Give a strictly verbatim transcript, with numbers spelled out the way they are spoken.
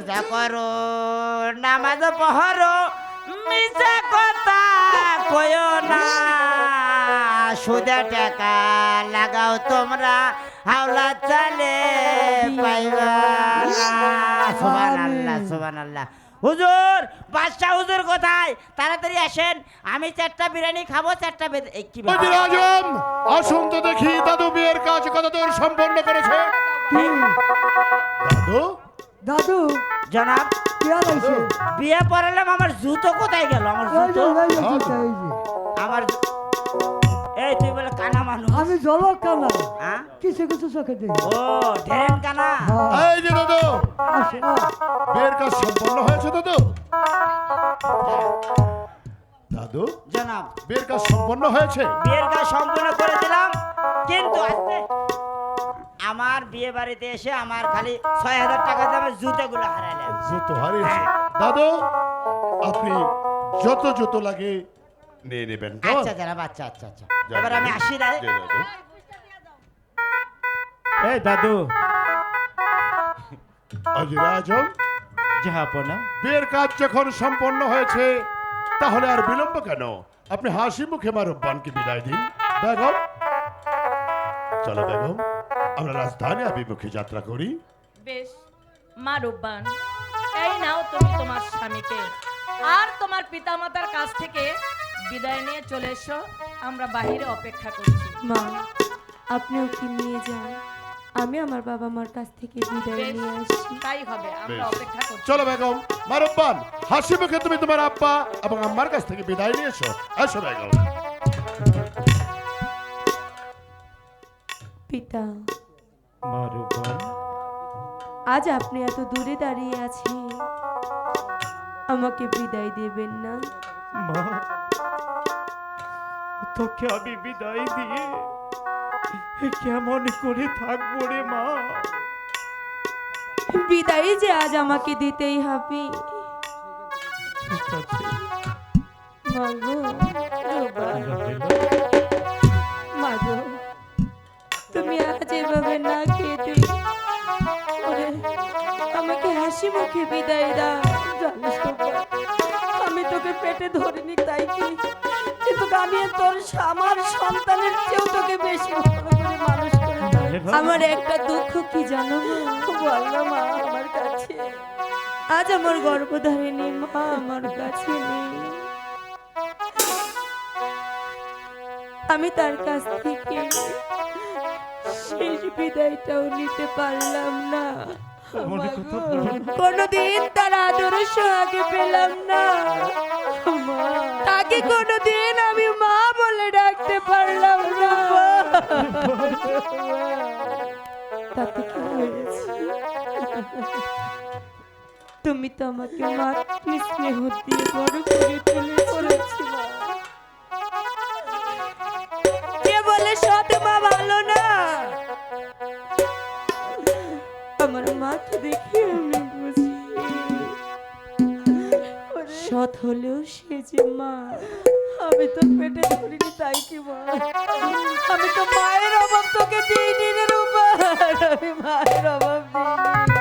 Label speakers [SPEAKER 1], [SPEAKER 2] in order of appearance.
[SPEAKER 1] রোজা করো নামাজ পড়ো মিছা কথা কয়ো না সুদে টাকা লাগাও তোমরা হাওলা চালে পাইবা সুবহানাল্লাহ সুবহানাল্লাহ। হুজুর বাদশাহ হুজুর কোথায়? তাড়াতাড়ি আসেন, আমি চারটা বিরিয়ানি খাবো। চারটা কি
[SPEAKER 2] ওজির আজম আসুন তো দেখি দাদু বিয়ের কাজ কত দূর সম্পন্ন করেছে। দাদু
[SPEAKER 3] দাদু
[SPEAKER 1] জনাব
[SPEAKER 3] কে আইছে?
[SPEAKER 1] বিয়ে পড়ালাম, আমার জুতো কোথায় গেল? আমার জুতো আমার জু- এই তুই বলে কানা মানুষ,
[SPEAKER 3] আমি জলক কানা
[SPEAKER 1] হ্যাঁ?
[SPEAKER 3] কিছু কিছু চোখে দেখি।
[SPEAKER 1] ও ঢেরেন কানা।
[SPEAKER 2] এই যে দাদু
[SPEAKER 3] আসো, আ,
[SPEAKER 2] বিয়ের কাজ সম্পন্ন হয়েছে দাদু। দাদু
[SPEAKER 1] জনাব
[SPEAKER 2] বিয়ের কাজ সম্পন্ন হয়েছে।
[SPEAKER 1] বিয়ের কাজ সম্পূর্ণ করে দিলাম, কিন্তু আজকে আমার বিয়ে বাড়িতে এসে আমার খালি ছয় হাজার টাকা দামের জুতোগুলো হারাইলাম।
[SPEAKER 2] জুতো হারিয়েছে দাদু, আপনি যত জুতো লাগে নিয়ে নেবেন তো?
[SPEAKER 1] আচ্ছা জনাব, আচ্ছা আচ্ছা আচ্ছা
[SPEAKER 2] যান
[SPEAKER 1] এবার আমি
[SPEAKER 2] দাদু।
[SPEAKER 1] আসি রাই।
[SPEAKER 2] জি দাদু।
[SPEAKER 4] এই দাদু
[SPEAKER 2] ওজির আজম
[SPEAKER 4] জাহাপনা,
[SPEAKER 2] বিয়ের কাজ যখন সম্পন্ন হয়েছে তাহলে আর বিলম্ব কেন? আপনি হাসি মুখে মারব্বানকে বিদায় দিন। বেগম চলো বেগম, আমরা রাজধানী অভিমুখে যাত্রা করি।
[SPEAKER 5] বেশ মা রূপবান, এই নাও তুমি তোমার স্বামীকে আর তোমার পিতামাতার কাছ থেকে বিদায় নিয়ে চলে এসো, আমরা বাহিরে অপেক্ষা করছি।
[SPEAKER 6] মা, আপনি ওকে নিয়ে যান, আমি আমার বাবা মার কাছ থেকে বিদায়
[SPEAKER 5] বেশ,
[SPEAKER 6] নিয়ে আসছি।
[SPEAKER 5] তাই হবে, আমরা
[SPEAKER 2] বেশ।
[SPEAKER 5] অপেক্ষা করছি।
[SPEAKER 2] চলো বেগম মারব্বান, হাসি মুখে তুমি তোমার আব্বা এবং আম্মার কাছ থেকে বিদায় নিয়ে এসো। এসো বেগম।
[SPEAKER 6] পিতা,
[SPEAKER 4] মারুবান,
[SPEAKER 6] আজ আপনি এত দূরে দাঁড়িয়ে আছেন, আমাকে বিদায় দেবেন না?
[SPEAKER 4] মা তোকে আমি বিদায় দিয়ে কেমন করে থাকবো রে মা?
[SPEAKER 6] বিদায় যে আজ আমাকে দিতেই হবে।
[SPEAKER 4] ঠিক আছে
[SPEAKER 6] মাগো, রূপবান,
[SPEAKER 4] রাহেলা,
[SPEAKER 6] মাগো, তুমি আজ এভাবে না খেতে ওরে, আমাকে হাসি মুখে বিদায় দাও। জানিস রূপবান, আমি তোকে পেটে ধরিনি তাই কি, কিন্তু আমি তোর আমার সন্তানের চেয়েও তোকে বেশি ভালো করে মানুষ করে তুলেছি। আমার একটা দুঃখ কি জানো বল না মা আমার কাছে, আজ আমার গর্ভধারিণী মা আমার কাছে নেই। আমি তার কাছ থেকে শেষ বিদায়টাও নিতে পারলাম না।
[SPEAKER 4] মনে কথা বলো না।
[SPEAKER 6] কোনদিন তার আদর সোহাগে পেলাম না, তাকে কোনদিন আমি মা বলে ডাকতে পারলাম না। তাতে কি হয়েছে? তুমি তো আমাকে মাতৃ স্নেহ দিয়ে বড় করে তুলেছি মা। কে বলে সৎ মা ভালো না? আমার মাকে দেখে আমি বুঝি সৎ হলেও সে যে মা। আমি তো পেটে ধরিনি তাই কি মা, আমি তো মায়ের অভাব তোকে দিইনি রে রূপা, আমি মায়ের অভাব দিইনি।